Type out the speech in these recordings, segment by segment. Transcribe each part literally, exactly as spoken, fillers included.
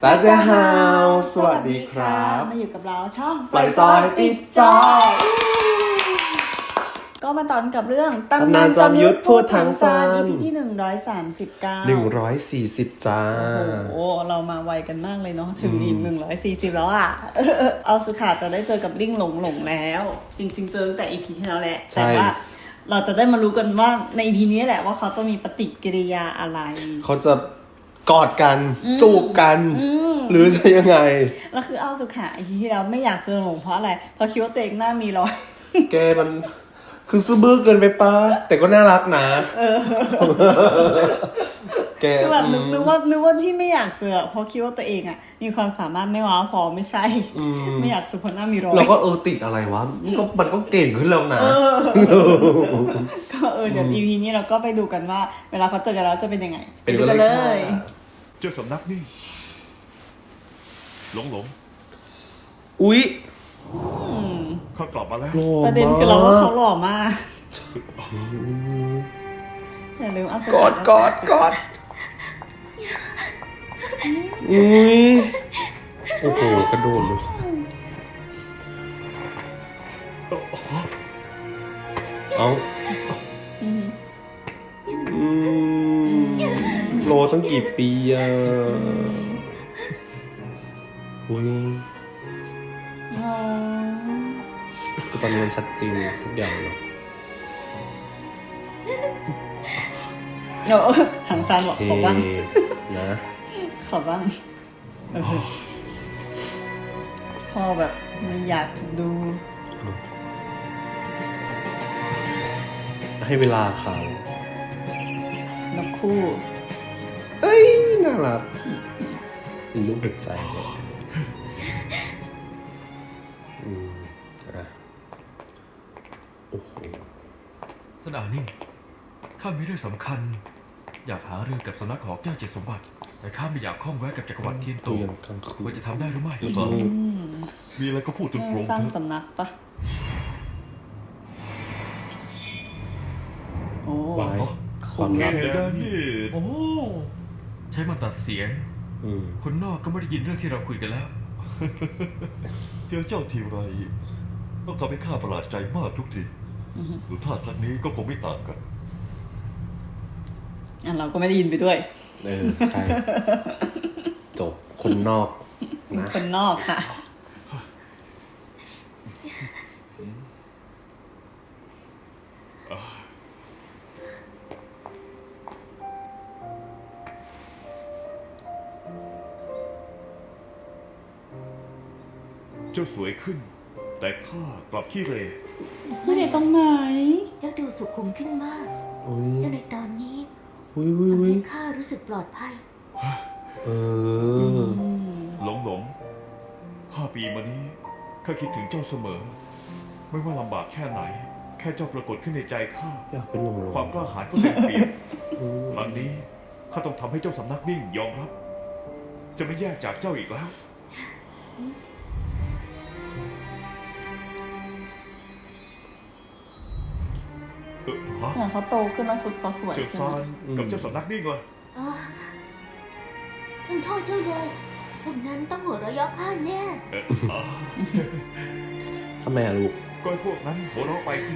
ตาเจ้าฮาวสวัสดีครับมาอยู่กับเราช่องปล่อยจอยติดจอยก็มาตอนกับเรื่องตำนานจอมยุทธพูดทางสั้นอี พี ที่หนึ่งร้อยสามสิบเก้าหนึ่งร้อยสี่สิบจ้าโอ้โหเรามาไวกันมากเลยเนาะถึงอีกหนึ่งร้อยสี่สิบแล้วอ่ะ เอาสุขาจะได้เจอกับลิ่งหลงหลงแล้ว จริง ๆ เจอตั้งแต่ อี พี ที่แล้วแหละแต่ว่าเราจะได้มารู้กันว่าใน อี พี นี้แหละว่าเขาจะมีปฏิกิริยาอะไรเขาจะกอดกันจูบกันหรือจะยังไงแล้วคือเอาสุขา อี พี ที่แล้วไม่อยากเจอหลงเพราะอะไรเพราะคิดว่าตัวเองหน้ามีรอยแกมันคือซื้อบื้อเกินไปป้าแต่ก็น่ารักนะแกแบบนึกนึกว่านึกว่าที่ไม่อยากเจอเพราะคิดว่าตัวเองอ่ะมีความสามารถไม่ว้าวพอไม่ใช่ไม่อยากเจอเพราะหน้ามีรอยเราก็เออติดอะไรวะมันก็มันก็เก่งขึ้นแล้วนะก็เออเดี๋ยว อี พี นี้เราก็ไปดูกันว่าเวลาเขาเจอกันแล้วจะเป็นยังไงไปดูกันเลยเจ้าสำนักนี่หลงหลงอุ๊ยเขากลับมาแล้วประเด็นคือเราว่าเขาหล่อมากอย่าลืมเอากอดกอดกอดอุ้ยโอ้โหกระโดดเลยเอาอืมโลตั้งกี่ปีอ่ะอุ้ยคือตอนนี้มันชัดจริงทุกอย่างเลยโอ้ทางซานบอกขอบ้างนะขอบ้างพ่อแบบไม่อยากดูให้เวลาเขานกคู่เอ้ยน่ารักมีลูกหัวใจเลยอืมอ่ะโอ้โหท่านอานี่ข้ามีเรื่องสำคัญอยากหาเรื่องกับสำนักของเจ้าเจ็ดสมบัติแต่ข้าไม่อยากข้องแวะกับจักรวรรดิเทียนโตว่าจะทำได้หรือไม่มีอะไรก็พูดตรงๆสร้างสำนักปะโอ้ความรักนี่โอ้ใช้มันตัดเสียงคนนอกก็ไม่ได้ยินเรื่องที่เราคุยกันแล้วเจอเจ้าทีไรต้องทำให้ข้าประหลาดใจมากทุกทีดูท่าครั้งนี้ก็คงไม่ต่างกันอันเราก็ไม่ได้ยินไปด้วยเออใช่จบคนนอกนะคนนอกค่ะเจ้าสวยขึ้นแต่ข้ากลับขี้เหร่ไม่ได้ตรงไหนเจ้าดูสุขุมขึ้นมากเจ้าในตอนนี้ทำให้ข้ารู้สึกปลอดภัยเออหลงหลงห้าปีมานี้ข้าคิดถึงเจ้าเสมอไม่ว่าลำบากแค่ไหนแค่เจ้าปรากฏขึ้นในใจข้าอยากเป็นหลงหลงความกล้าหาญก็เต็มเปี่ยมครั้งนี้ข้าต้องทำให้เจ้าสำนักนิ่งยอมรับจะไม่แยกจากเจ้าอีกแล้วเขาโตขึ้นแล้วชุดเขาสวยเสี่ยวซานกับเจ้าสำนักนิ่งเลยฉันโทษเจ้าเลยพวกนั้นต้องหัวเราะเยาะข้าแน่ทำไมอะลูกก็พวกนั้นหัวเราะไปสิ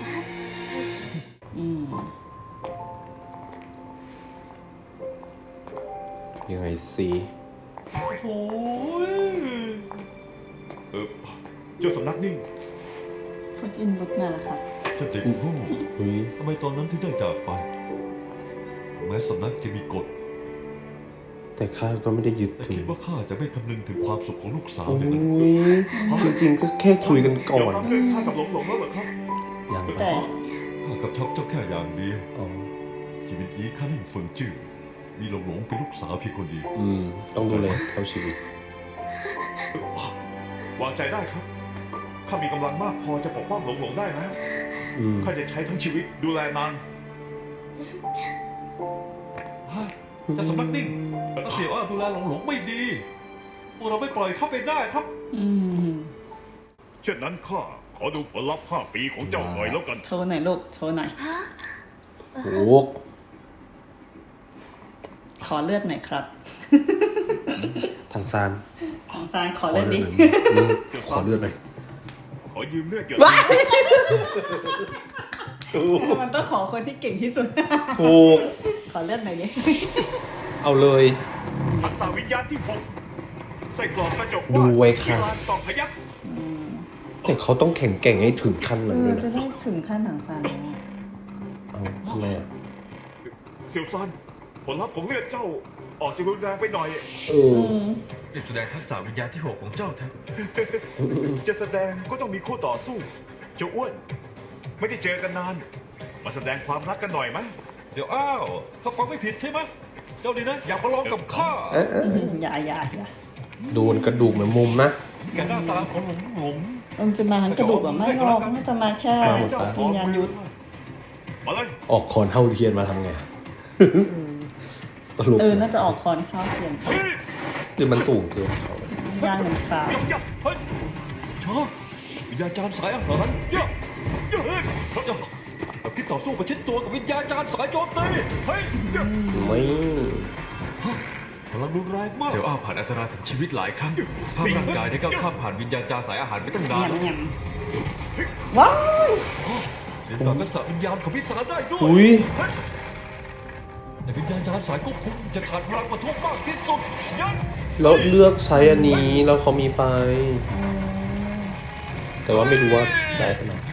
ยังไงสิโอ้ยเออเจ้าสำนักนิ่งฟูจินบุกนาค่ะท่านเด็กโง่ทำไมตอนนั้นถึงได้จากไปแม้สำนักจะมีกฎแต่ข้าก็ไม่ได้ยึดถือคิดว่าข้าจะไม่คำนึงถึงความสุขของลูกสาวเลยจริงๆก็แค่คุยกันก่อนเรื่องข้ากับหลงหลงแล้วเหรอครับอย่างแต่ข้ากับชอบเจ้าแค่อย่างเดียวชีวิตนี้ข้านิ่งเฟิงจื้อมีหลงหลงเป็นลูกสาวเพียงคนเดียวอืมต้องดูแลเท่าชีวิตวางใจได้ครับข้ามีกำลังมากพอจะปกป้องหลงหลงได้แล้วข้าจะใช้ทั้งชีวิตดูแลนางจะสำนักนิ่งถ้าเสียว่าดูแลหลงหลงไม่ดีพวกเราไม่ปล่อยเขาไปได้ครับเช่นนั้นข้าขอดูผลลัพธ์ห้าปีของเจ้าหน่อยแล้วกันโชว์หน่อยลูกโชว์หน่อยโอ้ขอเลือดหน่อยครับทางซานของซานขขออเล่นเลืดิอดหน่อยนี่ขอเลือดหน่อยขอยืมเลือดหยดมันต้องขอคนที่เก่งที่สุดถูกขอเลือดหน่อยดิเอาเลยทักษะวิญญาณที่หกใส่กรอบกระจกดูไว้ค่ะที่ลานตอกพยักแต่เขาต้องแข็งแกร่งให้ถึงขั้นเอนั้นอด้วยจะนะได้ถึงขั้นหนังซานแล้วเอาทำไมอ่ะเซียวซันผลลัพธ์ของเลือดเจ้า ออกจะรุนแรงไปหน่อยเออได้แสดงทักษะวิญญาณที่หกของเจ้าเถอะ จะแสดงก็ต้องมีคู่ต่อสู้ เจ้าอ้วน ไม่ได้เจอกันนาน มาแสดงความรักกันหน่อยไหมเดี๋ยวอ้าวเขาฟังไม่ผิดใช่ไหมเจ้าดีนะ อยากมาลองกับข้าเอ๊ะเอ๊ะอย่าอย่าอย่าโดนกระดูกเหมือนมุมนะแกหน้าตาของหลงหลงมันจะมาทั้งกระดูกแบบไม่หรอกมันจะมาแค่เจ้าขวิอญญาณยุทธมาเลยออกคอนเท่าเทียนมาทำไงตลกเออ น่าจะออกคอนข้าวเทียนเฮ้ยหรือมันสูงเกินเขาย่างหนึ่งปลายับยับเฮ้ยชอบวิญญาณจารย์สายอาหารเยอะเยอะเฮ้ยเราคิดต่อสู้ประชิดตัวกับวิญญาณจารย์สายโจมตีเฮ้ยไม่พลังรุนแรงมากเซลล์อ้าวผ่านอันตรายถึงชีวิตหลายครั้งสภาพร่างกายได้ก้าวข้ามผ่านวิญญาณจาสายอาหารไปตั้งนานยำแล้วยำว้ายเรียนต่อทักษะวิญญาณของพิศาจได้ด้วยอุ้ยเฮ้ยแต่วิญญาณจารย์สายควบคุมจะขาดพลังประทุมากที่สุดยันแล้วเลือกใช้อันนี้แล้วเขามีไฟ แต่ว่าไม่รู้ว่าได้ขนาด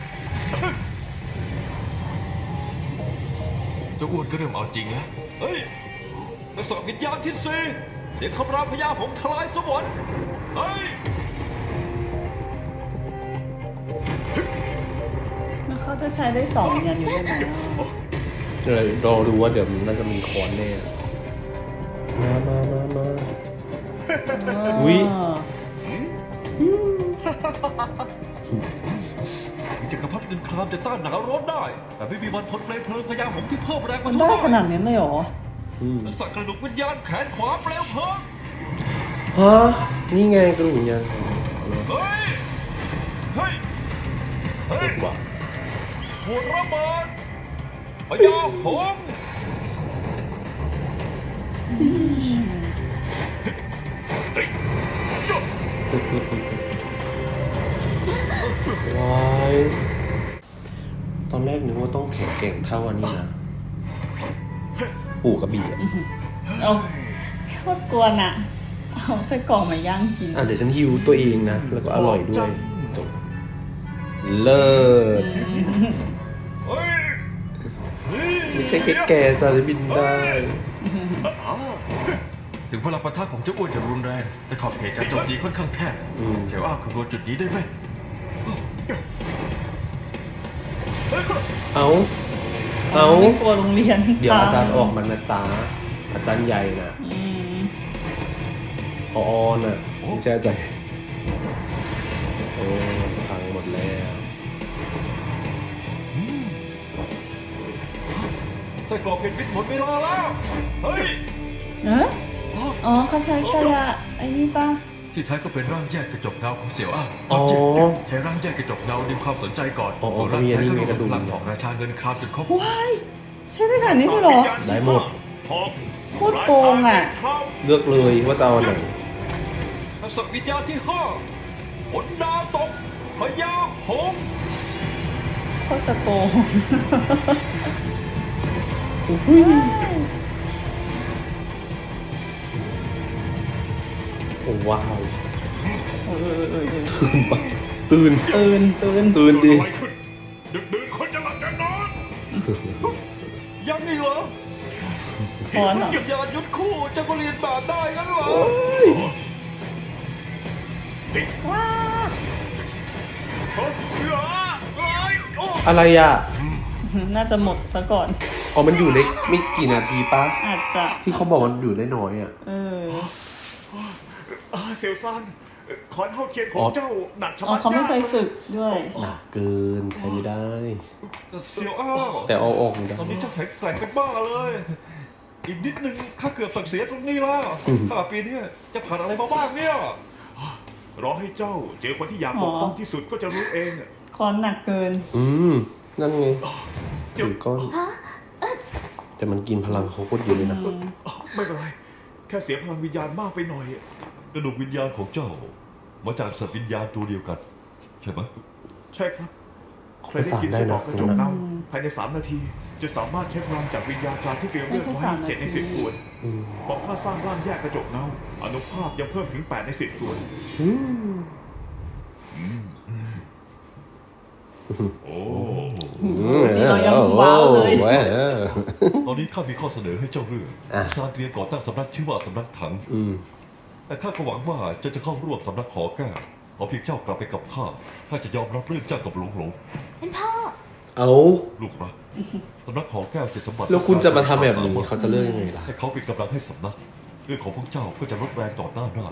เจ้าอ้วนก็เริ่มเอาจริงแล้วเฮ้ยทักษะวิญญาณที่สี่เดี๋ยวคำรามพญาหงส์ทลายสวรรค์เฮ้ยแล้วเขาจะใช้ได้สองวิญญาณยุทธได้ไหมเลยรอดูว่าเดี๋ยวมันน่าจะมีคอนแน่ มามามามา อุ๊ยจักรพรรดิเงินครามจะต้านหนาวร้อนได้ แต่ไม่มีวันทนเปลวเพลิงพญาหงส์ที่เพิ่มแรงมัมาน ทุได้กขนาดนี้เลยเหรออืมทักษะกระดูกวิญญาณแขนขวาเปลวเพลิงฮะนี่ไงกระดูกยังเฮ้ย เฮ้ย เฮ้ยว่าหัวระเบิดพญาหงส์ว้ายตอนแรกนึกว่าต้องแข็งแกร่งเท่าอันนี้นะ ปู่กระบี่อะเอาโคตรกวนอ่ะ เอาไส้กรอกมาย่างกินอ่ะเดี๋ยวฉันฮิวตัวเองนะ แล้วก็อร่อยด้วยจบเลิศเฮ้ยไม่ใช่แค่แกจะบินได้ถึงพลังปะทะของเจ้าอ้วนจะรุนแรง แต่ขอบเขตการโจมตีค่อนข้างแคบอืมเซลล์อ้าวคำนวณจุดนี้ได้ไหมเอาเอาไม่กลัวโรงเรียนเดี๋ยวอาจารย์ออกมานะจ๊ะอาจารย์ใหญ่น่ะอืมพออน่ะไม่ใช่อาจารย์โอ้พังหมดแล้วไส้กรอกเห็นพิษหมดเวลาแล้ว เฮ้ยเอ๊ะอ๋อเขาใช้กระไอ้นี่ป่ะที่แท้ก็เป็นร่างแยกกระจกเงาของเสี่ยวอ้าวอ๋อจริงใช้ร่างแยกกระจกเงาดึงความสนใจก่อนอ๋อส่วนร่างเขามีอันแท้นี้ก็มีรวกมระดุมพลังของราชาเงินครามจนครบว้ายใช้ได้ขนาดนี้เลยเหรอได้หมดหอกโคตรโกงอ่ะเลือกเลยว่าจะเอาอันไหนทักษะวิญญาณที่ห้าผลดาวตกพญาหงส์เขาจะโกงโอ้ว้าวเออเออเออตื่นตื่นตื่นตื่นดิอะไรขึ้นดึกดื่นคนจะหลับจะนอนยังนี่เหรอคอนเหรอวิญญาณยุทธคู่จะมาเรียนแบบได้งั้นเหรอว้าเฮ้ยเสือเอ้ยโอ้อะไรอ่ะน่าจะหมดซะก่อนอ๋อมันอยู่ได้ไม่กี่นาทีปะอาจจะที่เขาบอกมันอยู่ได้น้อยอ่ะเอออาเซลซันขอนเท่าเทียนขออ๋งอเจ้าหนักชะอ๋อมัดเขาไม่เคยฝึกด้วยหนักเกินใช้ไม่ได้เซียวอ้าวแต่เอาออกได้ตอนนี้เจ้าแข็งแกร่งเป็นบ้าเลย อีกนิดนึงข้าเกือบสั่งเสียตรงนี้แล้วถ้าปีนี้จะผ่านอะไรมาบ้างเนี่ยรอให้เจ้าเจอคนที่อยากปกป้องที่สุดก็จะรู้เองคอนหนักเกินอืมนั่นไงถือก้อนแต่มันกินพลังเขาโคตรเยอะเลยนะไม่เป็นไรแค่เสียพลังวิญญาณมากไปหน่อยกระดูกวิญญาณของเจ้ามาจากสัตว์วิญญาณตัวเดียวกัน ใช่ไหมใช่ครับใครประได้สานกินได้ไส้กรนะอกกระจกเงาภายในสามนาที จะสามารถใช้พลังจากวิญญาณจารย์ที่เตรียมเลือกไว้เจ็ดในสิบส่วนอืมพอข้าสร้างร่างแยกกระจกเงาอนุภาพยังเพิ่มถึงแปดในสิบส่วนอืมโอ้นี่เรายังว้าวเลยโอ้ยตอนนี้ข้ามีข้อเสนอให้เจ้าเลือกอ่ะซานเตรียมก่อตั้งสำนักชื่อว่าสำนักถังอืมแต่ข้าก็หวังว่าเจ้าจะเข้าร่วมสำนักขอแก้วขอเพียงเจ้ากลับไปกับข้าข้าจะยอมรับเรื่องเจ้ากับหลงหลงท่านพ่อเอาลูกรักสำนักขอแก้วจะสมบัติแล้วคุณจะมาทำแบบนี้เขาจะเลือกยังไงล่ะให้เขาเป็นกำลังให้สำนัก เรื่องของพวกเจ้าก็จะลดแรงต่อต้านได้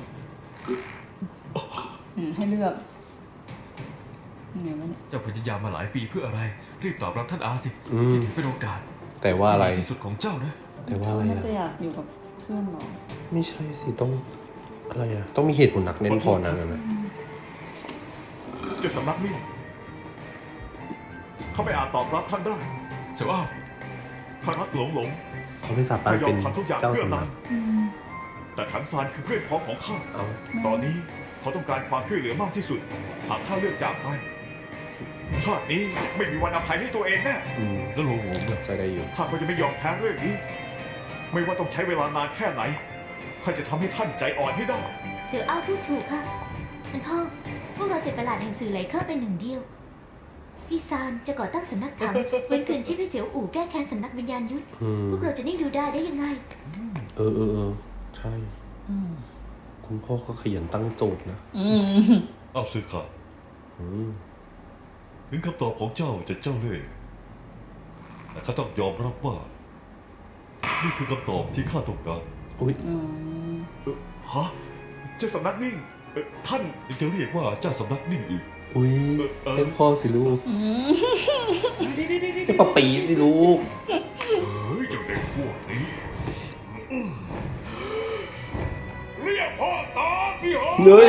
อืมให้เลือกไงวะเนี่ยเจ้าพยายามมาหลายปีเพื่ออะไร รีบตอบรับท่านอาสิอืมนี่ถือเป็นโอกาสแต่ว่าอะไรที่สุดของเจ้านะแต่ว่าอะไรน่าอ่ะจะอยากอยู่กับเพื่อนเหรอไม่ใช่สิต้องอะไรอ่ะต้องมีเหตุผลหนักแน่นพอนะนั่นนะเจ้าสำนักนี่เขาไม่อาจตอบรับท่านได้เสี่ยวอ้าวข้ารักหลงหลงเขาไม่สามารข้าถยอเป็มนทำทุกอย่างเจ้าเพื่อสำนันาก งแต่ถังซานคือเพื่อนพ้องของข้าเอาตอนนี้เขาต้องการความช่วยเหลือมากที่สุด หากข้าเลือกจากไปชาตินี้ไม่มีวันอภัยให้ตัวเองแน่อืมแล้วหลงหลงเนี่ยใจได้อยู่ข้าก็จะไม่ยอมแพ้เรื่องนี้ ไม่ว่าต้องใช้เวลานานแค่ไหนข้าจะทำให้ท่านใจอ่อนให้ได้เสี่ยวอ้าวพูดถูกค่ะ ท่านพ่อ พวกเราเจ็ดประหลาดแห่งสื่อไหลเคอร์เป็นหนึ่งเดียว พี่ซานจะก่อตั้งสำนักถัง เว้นคืนชีพให้เสี่ยวอู่แก้แค้นสำนักวิญญาณยุทธอืมพวกเราจะนิ่งดูได้ได้ยังไงเออเออเออใช่อืมคุณพ่อก็ขยันตั้งโจทย์นะอืมเอาซื้อข้าอืมถึงคำตอบของเจ้าจะเจ้าเล่ห์แต่ข้าต้องยอมรับว่า นี่คือคำตอบที่ข้าต้องการอุ้ยอืมฮะเจ้าสำนักนิ่งเอ่อท่านยังจะเรียกว่าเจ้าสำนักนิ่งอีกอุ้ยเออเรียกพ่อสิลูกเรียกป้าปีสิลูกเฮ้ยเจ้าเด็กพวกนี้เรียกพ่อตาสิเหรอเนย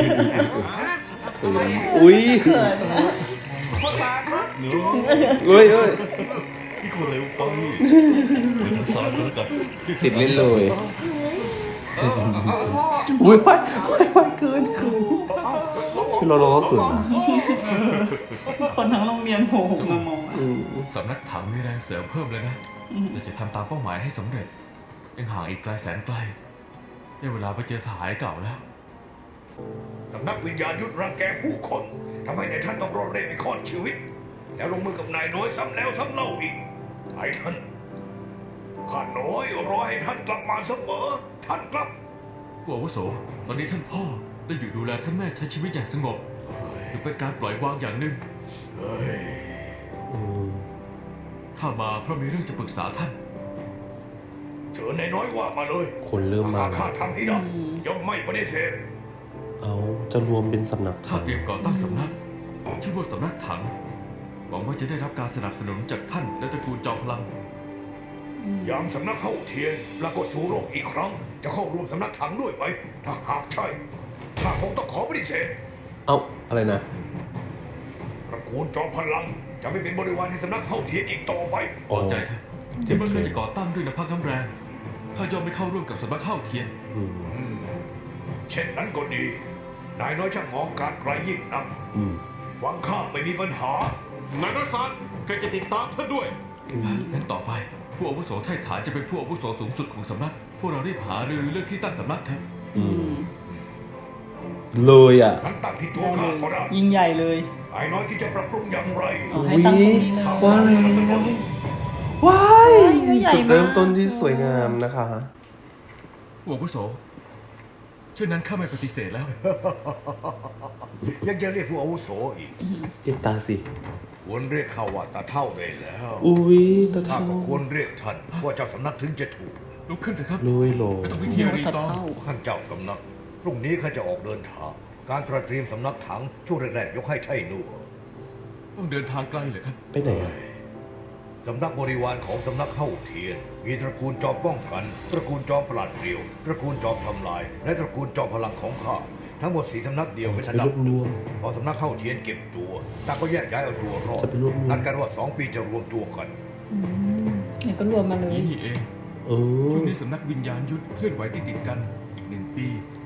อุ้ยพ่อตาครับเนื้อเฮ้ยเฮ้ยนี่คนเร็วไปเดี๋ยวทางซ้ายก็แล้วกันติดเล่นเลยอุ้ยไปไปไปเกินเกินคือเราเราก็เขินนะคนทั้งโรงเรียนโผล่มามองอะอืมสำนักถังมีแรงเสริมเพิ่มเลยนะเราจะทำตามเป้าหมายให้สำเร็จ ยังห่างอีกไกลแสนไกล ได้เวลาไปเจอสหายเก่าแล้วสำนักวิญญาณยุทธรังแกผู้คนทำให้นายท่านต้องรอดเร่ไปขอนชีวิต แล้วลงมือกับนายน้อยซ้ำแล้วซ้ำเล่าอีกไอ้ท่านข้าน้อยรอให้ท่านกลับมาเสมอ ท่านกลับผู้อาวุโส ตอนนี้ท่านพ่อได้อยู่ดูแลท่านแม่ใช้ชีวิตอย่างสงบหรือเป็นการปล่อยวางอย่างหนึ่งอืมข้ามาเพราะมีเรื่องจะปรึกษาท่านเชิญนายน้อยว่ามาเลยคนเริ่มมาหากแล้ข้าว ทำให้ได้ย่อมไม่ปฏิเสธเอาจะรวมเป็นสำนักถ้าถังเตรียมก่อตั้งสำนัก ชื่อว่าสำนักถัง หวังว่าจะได้รับการสนับสนุนจากท่านและตระกูลจอมพลังยามสำนักเข้าเทียนปรากฏสู่โลกอีกครั้ง จะเข้าร่วมสำนักถังด้วยไหม ถ้าหากใช่ข้าคงต้องขอปฏิเสธเอาอะไรนะตระกูลจอมพลัง จะไม่เป็นบริวารให้สำนักเข้าเทียนอีกต่อไปวางใจเถอะเจ็บเมื่อเลข้าย จะก่อตั้งด้วยน้ำพักน้ำแรงข้ายอมไม่เข้าร่วมกับสำนักข้าวเทียนอืมเช่นนั้นก็ดี นายน้อยช่างมองการไกลยิ่งนักอืมฟังข้าไม่มีปัญหานายน้อยซานใครจะติดตามท่านด้วยงั้นต่อไป ผู้อาวุโสไทฐานจะเป็นผู้อาวุโสสูงสุดของสำนัก พวกเรารีบหารือเรื่องที่ตั้งสำนักเถอะอืมเลยอ่ะนั้นตั้งที่ตัวข้าก็ได้ยิ่งใหญ่เลยนายน้อยที่จะปรับปรุงอย่างไรเอาให้ตั้งตรงนี้เลยว่าแล้วว้ายใหญ่มากจุดเริ่มต้นที่สวยงามนะคะผู้อาวุโสเช่นนั้นข้าไม่ปฏิเสธแล้วยังจะเรียกผู้อาวุโสอีกเอ็กตาสิควรเรียกเขาว่าตาเท่าได้แล้วอุ้ยตาถ้าเท่าก็ควรเรียกท่านว่าเจ้าสำนักถึงจะถูกลุกขึ้นเถอะครับลุยโลไม่ต้องพิธีรีตัดตองเท่าท่านเจ้าสำนัก พรุ่งนี้ข้าจะออกเดินทาง การตระเตรียมสำนักถังช่วงแรกๆยกให้ไท่หนัวต้องเดินทางไกลเหรอครับไปไหนอ่ะสำนักบริวารของสำนักเข้าเทียน มีตระกูลจอมป้องกัน ตระกูลจอมปราดเปรียว ตระกูลจอมทำลาย และตระกูลจอมพลังของข้า ทั้งหมดสีสำนักเดียวเป็นจะอัไปนดัรบวบรวมพอสำนักเข้าเทียนเก็บตัวต่างก็แยกย้ายเอาตัวรอดจะไปรวบรวมนัดกันว่าสองปีจะรวมตัวกันเนี่ยก็รวมมาเลยนี่นี่เองเออช่วงนี้สำนักวิญญาณยุทธเคลื่อนไหวติดติดๆกัน อีกหนึ่งปี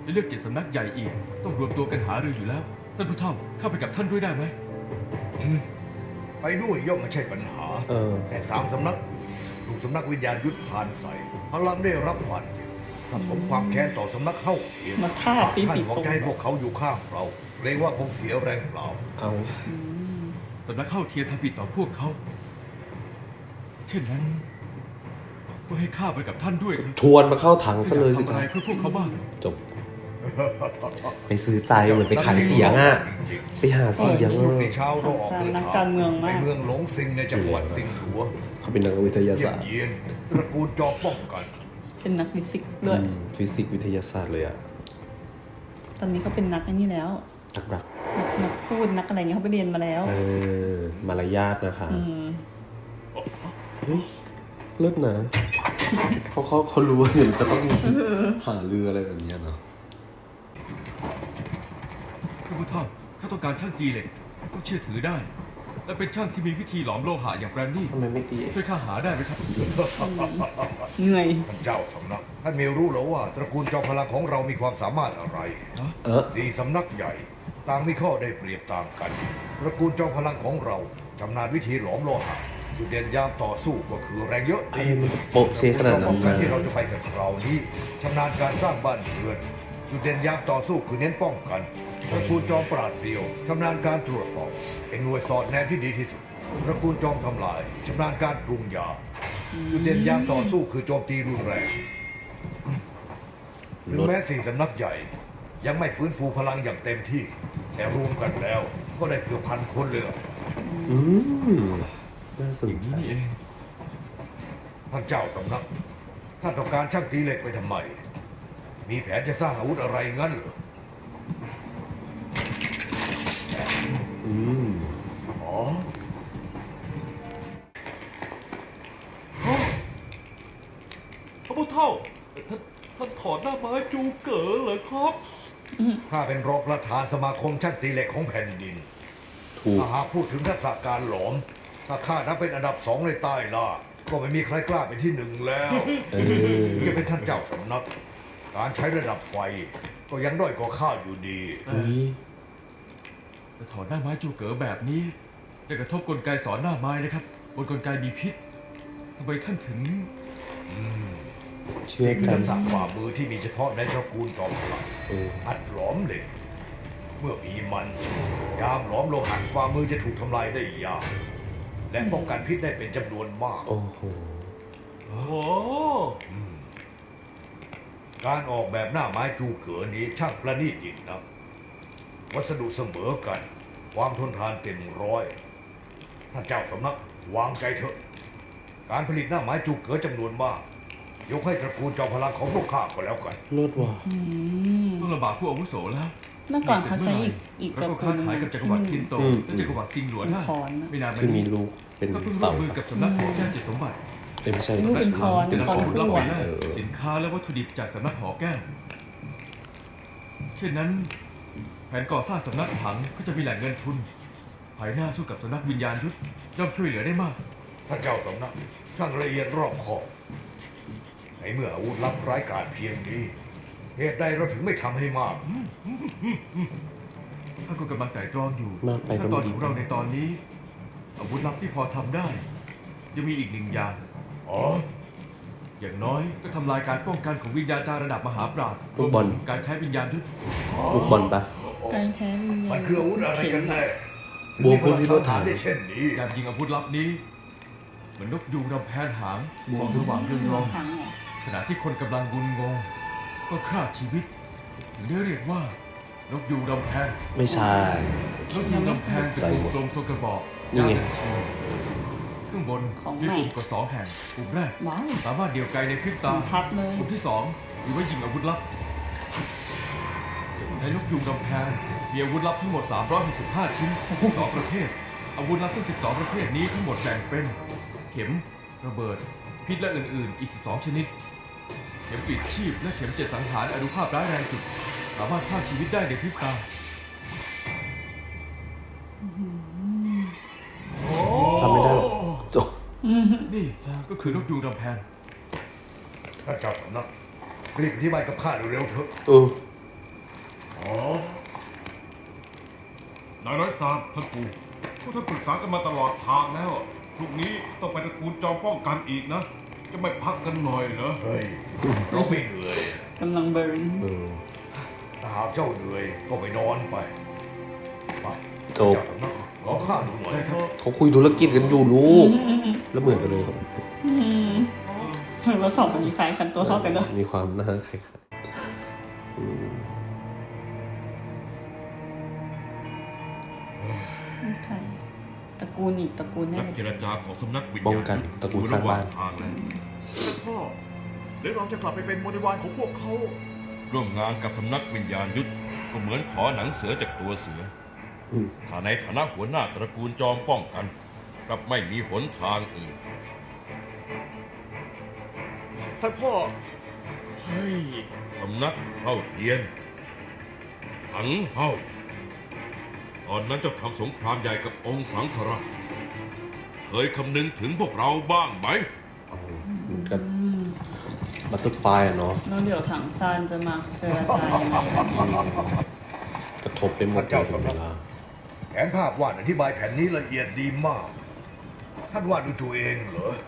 จะเลือกเจ็ดสำนักใหญ่อีก ต้องรวมตัวกันหารืออยู่แล้ว ท่านผู้เฒ่าเข้าไปกับท่านด้วยได้ไหมอืมไปด้วยย่อมไม่ใช่ปัญหาเออแต่สามสำนักลูกสำนักวิญญาณยุทธผ่านใส่พลังได้รับฟันถ้าสมความแค้นต่อสำนักเข้าเทียนมาฆ่าปีท่านปีหวังโป้จะให้พวกเขาอยู่ข้างเราเกรงว่าคงเสียแรงเปล่าเอาสำนักเข้าเทียนทำผิดต่อพวกเขา เช่นนั้น ก็ให้ข้าไปกับท่านด้วยเถอะทวนมาเข้าถังซะเลยสิทำคอะรัไรบเพื่อพวกเขาบ้างจบ ไปซื้อใจเหมือนไปขายเสียงอ่ะ ไปหาเสียงพรุ่งอะนี้เช้าเราออกเดินนักทางการเมืองไปมากเมืองหลงซิงในจังหวัดซิงหัวเขาเป็นนักวิทยาเยี่ยศาม สตร์เยียนตระกูลจอมป้องกันเป็นนักฟิสิกส์ด้วยอืมฟิสิกส์วิทยาศาสตร์เลยอ่ะตอนนี้เขาเป็นนักไอ้นี่แล้วนักรักนักนักพูดนักอะไรเงี้ยเขาไปเรียนมาแล้วเออ มารยาทนะคะอืมเฮ้ยเลิศนะเขาเขาเขารู้ว่าเดี๋ยวจะต้องหาเรืออะไรแบบเนี้ยเนาะท่านผู้เฒ่าข้าต้องการช่างตีเหล็ก ต้องเชื่อถือได้ และเป็นช่างที่มีวิธีหลอมโลหะอย่างแบรนดี้ทำไมไม่ตีช่วยข้าหาได้ไหมครับเหนื่อยท่านเจ้าสำนัก ท่านเมรู้แล้วว่า ตระกูลจอมพลังของเรามีความสามารถอะไรเออสี่สำนักใหญ่ ต่างมีข้อได้เปรียบต่างกัน ตระกูลจอมพลังของเราชำนาญวิธีหลอมโลหะจุดเด่นยามต่อสู้ก็คือแรงเยอะไอ้มันจะโปะเชขนาดนั้นป้องเลกันยที่เราจะไปกันคราวนี้ชำนาญการสร้างบ้านเรือน จุดเด่นยามต่อสู้คือเน้นป้องกันตระกูลจอมปราดเปรียวชำนาญการตรวจสอบเป็นหน่วยสอดแนมที่ดีที่สุดตระกูลจอมทำลายชำนาญการปรุงยาจุดเด่นยามต่อสู้คือโจมตีรุนแรงถึงแม้สี่สำนักใหญ่ ยังไม่ฟื้นฟูพลังอย่างเต็มที่ แต่รวมกันแล้ว ก็ได้เกือบพันคนเลยล่ะอืมน่าสนอย่างใจนี้นี่เองท่านเจ้าสำนักท่านต้องการช่างตีเหล็กไปทำไม มีแผนจะสร้างอาวุธอะไรงั้นเหรออืมอ๋อพระพุทธเท่าท่านท่านถอดหน้าไม้จูเก๋อเหรอครับข้าเป็นรองประธานสมาคมช่างตีเหล็กของแผ่นดินถูกถ้าหากพูดถึงทักษะการหลอม ถ้าข้านับเป็นอันดับสองในใต้ล่า ก็ไม่มีใครกล้าเป็นที่หนึ่งแล้วเออจะเป็นท่านเจ้าสำนัก การใช้ระดับไฟ ก็ยังด้อยกว่าข้าอยู่ดีอุ้ยแต่ถอนหน้าไม้จูเก๋อแบบนี้ จะกระทบกลไกสอนหน้าไม้นะครับ บนกลไกมีพิษทำไมท่านถึงเชื่อนี่คือกัทันกษะฝ่ามือที่มีเฉพาะในตระกูลจอมพลังเอออัดหลอมเหล็ก เมื่อมีมัน ยามหลอมโลหะฝ่ามือจะถูกทำลายได้ยาก และป้องกันพิษได้เป็นจำนวนมากโอ้โหโอ้โหการออกแบบหน้าไม้จูเก๋อนี้ช่างประณีตยิ่งนักวัสดุเสมอกัน ความทนทานเต็มร้อย ท่านเจ้าสำนักวางใจเถอะ การผลิตหน้าไม้จูเก๋อจำนวนมาก ยกให้ตระกูลจอมพลังของพวกข้าก็แล้วกันเลิศว่ะต้องลำบากผู้อาวุโสแล้วเมื่อก่อนเขาใช้อีกอีกแล้วก็ค้าขายกับจักรวรรดิทินโตอืมและจักรวรรดิซิงหลวนได้เป็นคอนนะไม่นานมาคือมีนี้ลูกเป็นก็เพิ่งร่วเต่ามมือกับสำนักของแจ้งเจ็ดสมบัติเอ้ยไม่ใช่ลูกเป็นคอนจะนำข้อมูลรับไปแลกเออสินค้าและวัตถุดิบจากสำนักหอแก้ว เช่นนั้น แผนก่อสร้างสำนักถังก็จะมีแหล่งเงินทุน ภายหน้าสู้กับสำนักวิญญาณยุทธย่อมช่วยเหลือได้มากท่านเจ้าสำนักช่างละเอียดรอบคอบในเมื่ออาวุธลับร้ายกาจเพียงนี้ เหตุใดเราถึงไม่ทำให้มากถ้าก็กำลังไต่ตรองอยู่มากไปก็ขั้นตอนไม่ดีของเราในตอนนี้ อาวุธลับที่พอทำได้ ยังมีอีกหนึ่งอย่างอ๋ออย่างน้อยก็ทำลายการป้องกันของวิญญาณจารระดับมหาปราชญ์ลูกบอลรวมถึงการใช้วิญญาณยุทธลูกบอลปะไกลแท้วิญญาณมันคืออาวุธอะไรกันแน่บวกเพิ่มที่รถถังได้เช่นนี้การยิงอาวุธลับนี้ เหมือนนกยูงรำแพนหางส่องสว่างเรืองรองถังเหรอขณะที่คนกำลังงุนงง ก็ฆ่าชีวิตถึงได้เรียกว่านกยูงรำแพนไม่ใช่นกยูงรำแพนเป็นวงกลมทรงกระบอกนี่ไงยาวหนึ่งชูข้างบนมีปุ่มกดสองแห่งปุ่มแรกว้าวสามารถเดี่ยวไกลในพริบตาพัดเลยปุ่มที่สองมีไว้ยิงอาวุธลับในนกยูงรำแพนมีอาวุธลับทั้งหมดสามร้อยหกสิบห้าชิ้นสองประเภท อาวุธลับทั้งสิบสองประเภทนี้ทั้งหมดแบ่งเป็น เข็ม ระเบิด พิษและอื่นๆ อีกสิบสองชนิด เข็มปิดชีพและเข็มเจ็ดสังหารอนุภาพร้ายแรงสุด สามารถฆ่าชีวิตได้ในพริบตาทำไม่ได้หรอกจบนี่ก็คือนกยูงรำแพนท่านเจ้าสำนักรีบอธิบายกับข้าเร็วๆเถอะเออนายน้อยซานท่านปู่พวกท่านปรึกษากันมาตลอดทางแล้วพรุ่งนี้ต้องไปตระกูลจอมป้องกันอีกนะ จะไม่พักกันหน่อยเหรอเฮ้ย เราไม่เหนื่อยกำลังเบิร์นเออถ้าหากเจ้าเหนื่อยก็ไปนอนไปไปจบเจ้าสำนักขอข้าดูหน่อยเถอะเขาคุยธุรกิจกันอยู่ลูก แล้วเหมือนกันเลยครับอืมเหมือนว่าสองคนนี้คล้ายกันตัวเท่ากันด้วยมีความน่าคล้ายๆอืมใครตระกูลอีกตระกูลแน่นักเลยเจรจาของสำนักวิญป้องญาณกันตระกูลสร้างบ้านทางแล้วท่านพ่อเดี๋ยวเราจะกลับไปเป็นบริวารของพวกเขาร่วมงานกับสำนักวิญญาณยุทธก็เหมือนขอหนังเสือจากตัวเสืออืมถ้าในฐานะหัวหน้าตระกูลจอมป้องกันกลับไม่มีหนทางอื่นท่านพ่อ เฮ้ยสำนักเท่าเทียนถังเฮ้าตอนนั้นเจ้าทำสงครามใหญ่กับองค์สังฆราชเคยคำนึงถึงพวกเราบ้างไหมเอามันก็บัตเตอร์ไฟอะเนาะแล้วเดี๋ยวถังซานจะมาเจรจายังไงกันกระทบไปหมดเลยถึงเวลาแผนภาพวาดอธิบายแผนนี้ละเอียดดีมาก ท่านวาดด้วยตัวเองเหรอ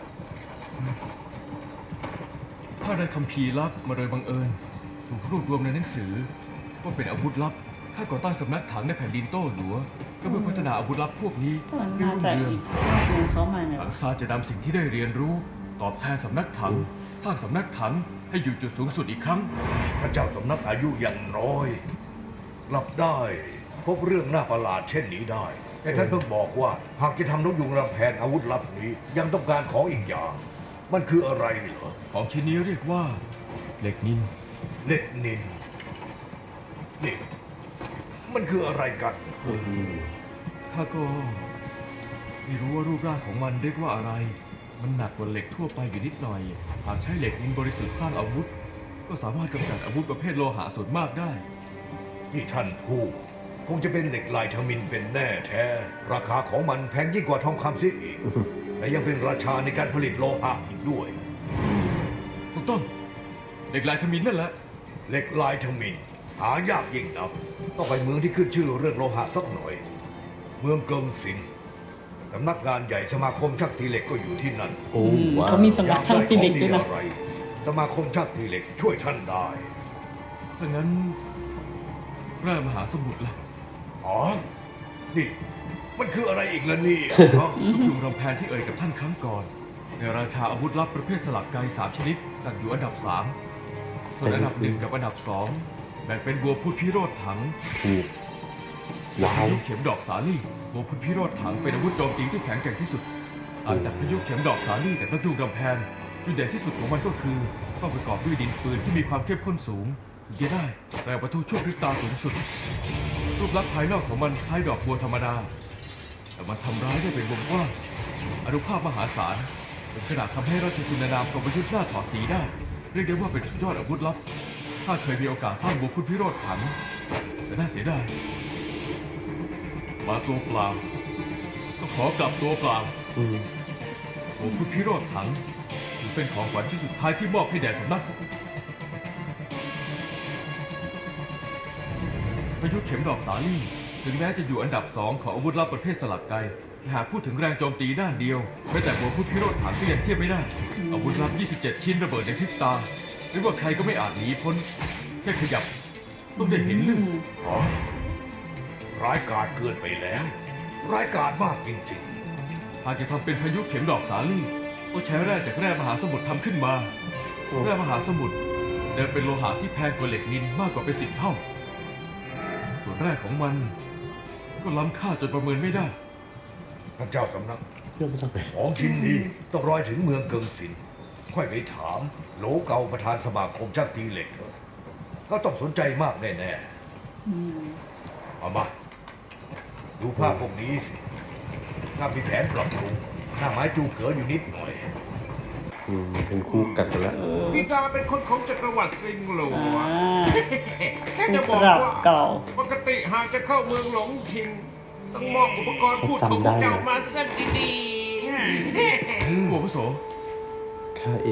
ข้าได้คัมภีร์ลับมาโดยบังเอิญถูกรวบรวมในหนังสือว่าเป็นอาวุธลับข้าก่อตั้งสำนักถังในแผ่นดินโต้หลัวก็เพื่อพัฒนาอาวุธลับพวกนี้มันให้น่ารุ่งจะเรืองอีกชาติหนึงเขามาเนี่ยถังซานจะนำสิ่งที่ได้เรียนรู้ ตอบแทนสำนักถัง สร้างสำนักถังให้อยู่จุดสูงสุดอีกครั้งพระเจ้าสำนักอายุอย่างน้อยรับได้พบเรื่องน่าประหลาดเช่นนี้ได้ แต่ท่านเพิ่งบอกว่าหากจะทำนกยุงรำแพนอาวุธลับนี้ยังต้องการของอีกอย่าง มันคืออะไรเหรอของชิ้นนี้เรียกว่าเหล็กนินเล็กนินนี่มันคืออะไรกันข้าก็ไม่รู้ว่ารูปร่างของมันเรียกว่าอะไร มันหนักกว่าเหล็กทั่วไปอยู่นิดหน่อย หากใช้เหล็กนินบริสุทธิ์สร้างอาวุธ ก็สามารถกำจัดอาวุธประเภทโลหะส่วนมากได้ที่ท่านพูดคงจะเป็นเหล็กลายทมินเป็นแน่แท้ ราคาของมันแพงยิ่งกว่าทองคำเสียอีก แต่ยังเป็นราชาในการผลิตโลหะอีกด้วยถูกต้องเหล็กลายทมินนั่นแหละเหล็กลายทมินหายากยิ่งนักต้องไปเมืองที่ขึ้นชื่อเรื่องโลหะสักหน่อย เมืองเกิงสินสำนักงานใหญ่สมาคมช่างตีเหล็กก็อยู่ที่นั่นโอ้อืมว้าวเขามีสำนักช่างตีเหล็กด้วยอนะยากได้ของดีอะไรสมาคมช่างตีเหล็กช่วยท่านได้ถ้างั้นแร่มหาสมุทรล่ะอ๋อ นี่ มันคืออะไรอีกล่ะเนี่ยฮะลูกยุงรำแพนที่เอ่ยกับท่านครั้งก่อน ในราชาอาวุธลับประเภทสลักไกสามชนิดตั้งอยู่อันดับสามส่วนอันดับหนึ่งกับอันดับสองแบ่งเป็นบัวพุทธพิโรธถังถูกว้าพาว ยุเข็มดอกสาลี่บัวพุทธพิโรธถังเป็นอาวุธโจมตีที่แข็งแกร่งที่สุดต่างจากพายุเข็มดอกสาลี่กับนกยุงรำแพนจุดเด่นที่สุดของมันก็คือต้องประกอบด้วยดินปืนที่มีความเข้มข้นสูงถึงจะได้แรงประทุชั่วพริบตาสูงสุด รูปลักษณ์ภายนอกของมันคล้ายดอกบัวธรรมดา แต่มันทำร้ายได้เป็นวงกว้างอนุภาพมหาศาลถึงขนาดทำให้ราชจินนามกรมยุทธ์หน้าถอดสีได้ เรียกได้ว่าเป็นสุดยอดอาวุธลับข้าเคยมีโอกาสสร้างบัวพุทธพิโรธถังแต่น่าเสียดายมาตัวเปล่าก็ขอกลับตัวเปล่าอืมบัวพุทธพิโรธถังถือเป็นของขวัญชิ้นสุดท้ายที่มอบให้แด่สำนักพายุเข็มดอกสาลี่ถึงแม้จะอยู่อันดับสองของอาวุธลับประเภทสลักไกหากพูดถึงแรงโจมตีด้านเดียวแม้แต่บัวพุทธพิโรธถังก็ยังเทียบไม่ได้ อาวุธลับ ยี่สิบเจ็ด ชิ้นระเบิดในพริบตาหรือว่าใครก็ไม่อาจหนีพ้น แค่ขยับ ต้องได้เห็นเรื่องอ๋อร้ายกาจเกินไปแล้ว ร้ายกาจมากจริงหากจะทำเป็นพายุเข็มดอกสาลี่ต้องใช้แร่จากแร่มหาสมุทรทำขึ้นมา แร่มหาสมุทรเดิมเป็นโลหะที่แพงกว่าเหล็กนินมากกว่าเป็นสิบเท่า ส่วนแร่ของมัน ก็ล้ำค่าจนประเมินไม่ได้ๆท่านเจ้าสำนักเพื่อนไม่ต้องไปของชิ้นนี้ต้องรอยถึงเมืองเกิงสิน ค่อยไปถามโหลเกาประธานสมาคมช่างตีเหล็กเถอะเขาต้องสนใจมากแน่ๆเอามา ดูภาพพวกนี้สิถ้ามีแผนปรับปรุงหน้าไม้จูเก๋ออยู่นิดหน่อยอืมเป็นคู่กัดกันแล้วบิดาเป็นคนของจักรวรรดิซิงหลวอ่าแค่จะบผู้อกปรับว่าเก่าปกติหากจะเข้าเมืองหลงทิง ต้องมอบอุปกรณ์พูดของพวกเจ้ามาซะดีๆหัวผู้โสข้าเอง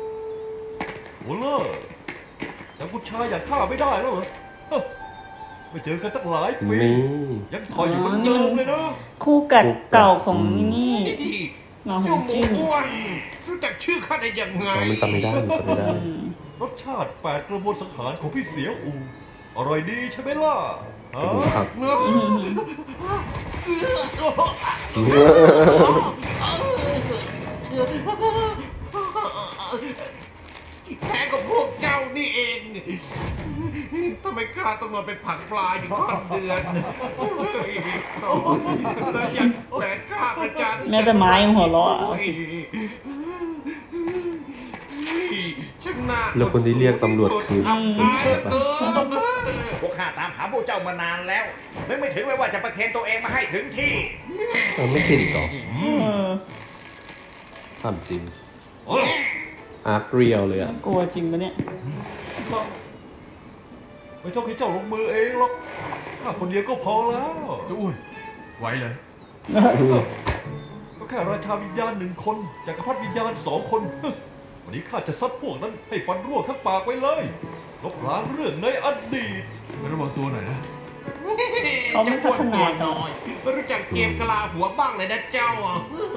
หัวเล่อแต่ผู้ชายอย่างข้าไม่ได้แล้วเหรอเฮ้อไม่เจอกันตั้งหลายปีนี่ยังคอยอยู่เหมือนเดิมเลยนะคู่กัดเก่าของนี่นี่หมาหเจ้าง หมูจิ้นอ้วนรู้จักชื่อข้าได้ยังไงอ๋อมันจำไม่ได้มันจำไม่ได้รสชาติแปดกระบวนสังหารของพี่เสียวอูอร่อยดีใช่ไหมล่ะฮะครับที่แท้ก็พวกเจ้านี่เองทำไมข้าต้องมาเป็นผักปลาอยู่ข้ามเดือนแล้วยังแฝงข้าประจานแม้แต่ไม้ยังหัวเราะเอาสิช่างน่าแล้วคนที่เรียกตำรวจคืออับสมอายศรีเหลือปะเกินพวกข้าตามหาพวกเจ้ามานานแล้วนึกไม่ถึงเลยว่าจะประเคนตัวเองมาให้ถึงที่เออไม่คิดอีกเหรอเออถามจริงอาร์คเรียลเลยอ่ะกลัวจริงปะเนี่ยไม่ต้องให้เจ้าลงมือเองหรอกข้าคนเดียวก็พอแล้วเจ้าอ้วนไหวเลยก็แค่ราชาวิญญาณหนึ่งคนจักรพรรดิวิญญาณสองคน วันนี้ข้าจะซัดพวกนั้นให้ฟันร่วงทั้งปากไปเลยลบล้างเรื่องในอดีตระวังตัวหน่อยนะเขาไม่พัฒนาต่อไม่รู้จักเกมกะลาหัวบ้างเลยนะเจ้าอ่ะ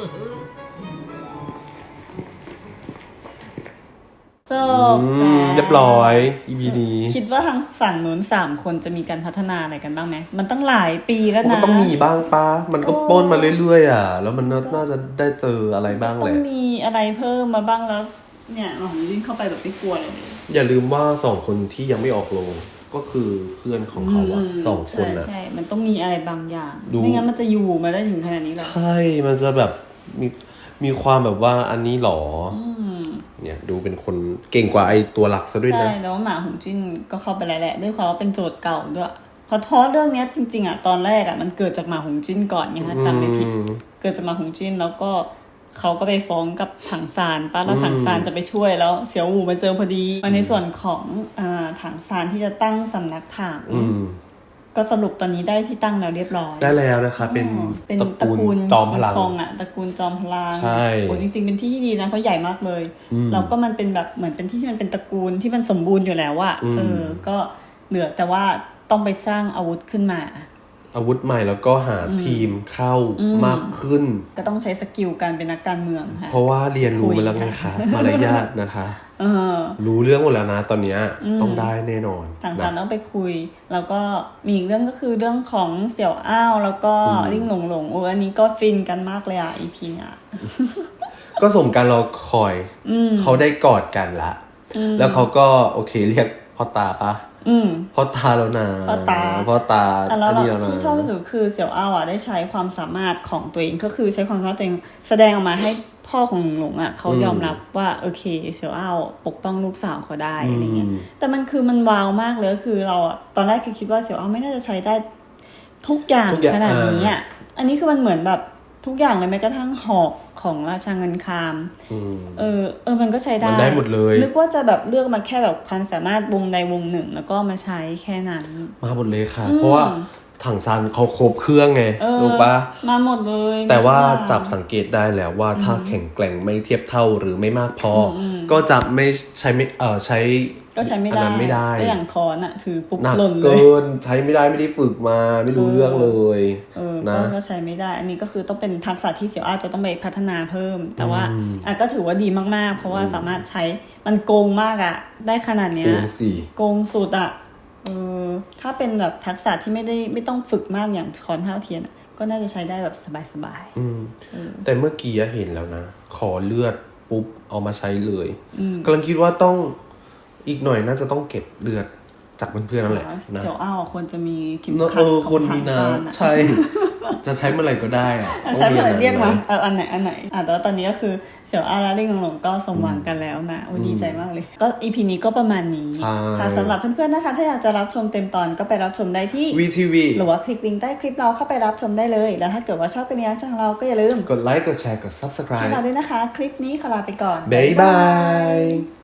จบอืจ้ามเรียบร้อย อี พี นี้คิดว่าทางฝั่งนู้นสามคนจะมีการพัฒนาอะไรกันบ้างไหมมันตั้งหลายปีแล้วมันนะก็ต้องมีบ้างปะมันก็ปล้นมาเรื่อยๆอ่ะ แล้วมันน่าจะได้เจออะไรบ้างต้แหองละมีอะไรเพิ่มมาบ้างแล้ว เนี่ยหมาหงจิ้นเข้าไปแบบไม่กลัวเลยอย่าลืมว่าสองคนที่ยังไม่ออกโรงก็คือเพื่อนของเขาอะสองคนนะใช่ใช่มันต้องมีอะไรบางอย่างดูไม่งั้นมันจะอยู่มาได้ถึงขนาดนี้หรอใช่ มันจะแบบมีมีความแบบว่าอันนี้หรออืมเนี่ยดูเป็นคนเก่งกว่าไอตัวหลักซะด้วยใช่นะแล้วหมาหงจิ้นก็เข้าไปแล้วแหละด้วยความว่าเป็นโจทย์เก่าด้วยเพราะท้อเรื่องเนี้ยจริงๆอะตอนแรกอะมันเกิดจากหมาหงจิ้นก่อนไงฮะจำไม่ผิดอืมเกิดจากหมาหงจิ้นแล้วก็เขาก็ไปฟ้องกับถังซานป้าแล้วถังซานจะไปช่วยแล้วเสี่ยวอู่มาเจอพอดีมาในส่วนของอ่าถังซานที่จะตั้งสำนักถังอืมก็สรุปตอนนี้ได้ที่ตั้งแล้วเรียบร้อยได้แล้วนะคะ เป็นเป็นตระตระกูกูลลจอมพลังคิคองอะตระกูลจอมพลังใช่โอ้จริงๆเป็นที่ที่ดีนะเพราะใหญ่มากเลยอืมแล้วก็มันเป็นแบบเหมือนเป็นที่ที่มันเป็นตระกูลที่มันสมบูรณ์อยู่แล้วอะอืมเออก็เหลือแต่ว่าต้องไปสร้างอาวุธขึ้นมาอาวุธใหม่แล้วก็หาทีมเข้าอืมมากขึ้นก็ต้องใช้สกิลการเป็นนักการเมืองค่ะเพราะว่าเรียนรู้คุยมาแล้วไงคะมารยาทนะคะเออรู้เรื่องหมดแล้วนะตอนเนี้ยอืมต้องได้แน่นอนถังซานนะต้องไปคุย แล้วก็มีอีกเรื่องก็คือเรื่องของเสี่ยวอ้าวแล้วก็อืมลิ่งหลงหลงโอ้อันนี้ก็ฟินกันมากเลยอ่ะ อี พี เนี่ยก็สมการรอคอยอืมเขาได้กอดกันละอืมแล้วเขาก็โอเคเรียกพ่อตาปะอืมพ่อตาแล้วนะพ่อตาพ่อตาแต่แล้วอันนี้แล้วนะที่ชอบที่สุดคือเสี่ยวอ้าวอ่ะได้ใช้ความสามารถของตัวเองก็คือใช้ความสามารถตัวเองแสดงออกมาให้พ่อของหลงหลงอ่ะเขายอมรับว่าโอเคเสี่ยวอ้าวปกป้องลูกสาวเขาได้อะไรเงี้ยอืมแต่มันคือมันว้าวมากเลยก็คือเราอะตอนแรกคือคิดว่าเสี่ยวอ้าวไม่น่าจะใช้ได้ทุกอย่างทุกอย่างขนาดนี้อ่าอ่ะอันนี้คือมันเหมือนแบบทุกอย่างเลยแม้กระทั่งหอกของราชาเงินคามอืมเออเออมันก็ใช้ได้มันได้หมดเลยนึกว่าจะแบบเลือกมาแค่แบบความสามารถวงใดวงหนึ่ง แล้วก็มาใช้แค่นั้นมาหมดเลยค่ะอืมเพราะว่าถังซานเขาครบเครื่องไงเออรู้ปะมาหมดเลยแต่ว่าทุกอย่งจับสังเกตได้แล้วว่าถ้าแข็งแกร่งไม่เทียบเท่าหรือไม่มากพออมก็จะไม่ใช้ไม่เออใช้ก็ใช้ไม่อันได้นั้นไม่ได้ก็อย่างคอนอะถือปุ๊บหนักหล่นเลยเกินใช้ไม่ได้ไม่ได้ฝึกมาไม่รู้เออเรื่องเลยเออนะก็ก็ใช้ไม่ได้ อันนี้ก็คือต้องเป็นทักษะที่เสี่ยวอ้าวจะต้องไปพัฒนาเพิ่ม แต่ว่าอืมอ่ะก็ถือว่าดีมากๆ เพราะว่าสามารถใช้มันโกงมากอะได้ขนาดเนี้โกยงสี่โกงสุดอะเออถ้าเป็นแบบทักษะที่ไม่ได้ไม่ต้องฝึกมากอย่างคอนเท้าเทียนอะก็น่าจะใช้ได้แบบสบายอืมๆเออแต่เมื่อกี้เห็นแล้วนะ ขอเลือดปุ๊บเอามาใช้เลยอืมกำลังคิดว่าต้องอีกหน่อยน่าจะต้องเก็บเลือดจากเพื่อนๆนั่นแหละนะเสี่ยวอ้าวควรจะมีเข็มเนอะขัเอดอขคองนถัมีงนะซานอะใช่ จะใช้เมื่อไหร่ก็ได้อะอ่ะใช้เมื่อไหร่ต้องเรียกมาอันนั้นเอออันไหนอันไหนอ่ะแต่ว่าตอนนี้ก็คือเสี่ยวอ้าวและลิ่งหลงก็สมหวังกันแล้วนะโอ้ยดีใจมากเลย ก็อีพีนี้ก็ประมาณนี้ใช่ค่ะสำหรับเพื่อนๆนะคะ ถ้าอยากจะรับชมเต็มตอนก็ไปรับชมได้ที่วีทีวีหรือว่าคลิกลิงก์ใต้คลิปเราเข้าไปรับชมได้เลย แล้วถ้าเกิดว่าชอบกันนี้ช่องเราก็อย่าลืมกดไลค์กดแชร์กดให้ subscribe เราด้วยนะคะ คลิปนี้ขอลาไปก่อนบ๊ายบาย